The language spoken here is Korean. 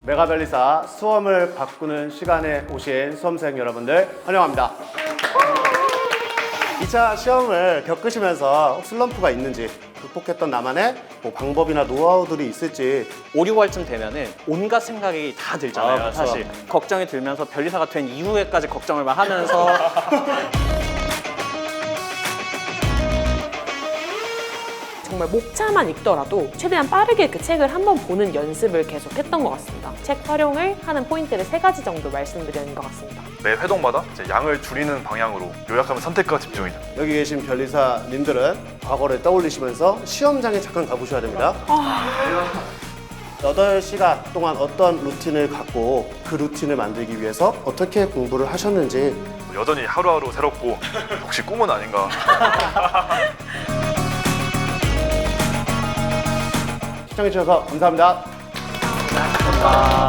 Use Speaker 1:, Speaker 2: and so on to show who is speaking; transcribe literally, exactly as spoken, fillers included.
Speaker 1: 메가변리사 수험을 바꾸는 시간에 오신 수험생 여러분들 환영합니다. 이 차 시험을 겪으시면서 슬럼프가 있는지, 극복했던 나만의 뭐 방법이나 노하우들이 있을지.
Speaker 2: 오, 육월쯤 되면은 온갖 생각이 다 들잖아요.
Speaker 1: 아, 그쵸.
Speaker 2: 사실 걱정이 들면서 변리사가 된 이후에까지 걱정을 막 하면서
Speaker 3: 정말 목차만 읽더라도 최대한 빠르게 그 책을 한번 보는 연습을 계속 했던 것 같습니다. 책 활용을 하는 포인트를 세 가지 정도 말씀드리는 것 같습니다.
Speaker 4: 매 회동마다 이제 양을 줄이는 방향으로 요약하면 선택과 집중이죠.
Speaker 1: 여기 계신 변리사님들은 과거를 떠올리시면서 시험장에 잠깐 가보셔야 됩니다. 여덟 시간 동안 어떤 루틴을 갖고 그 루틴을 만들기 위해서 어떻게 공부를 하셨는지.
Speaker 4: 여전히 하루하루 새롭고 혹시 꿈은 아닌가.
Speaker 1: 시청해주셔서 감사합니다.
Speaker 2: 아...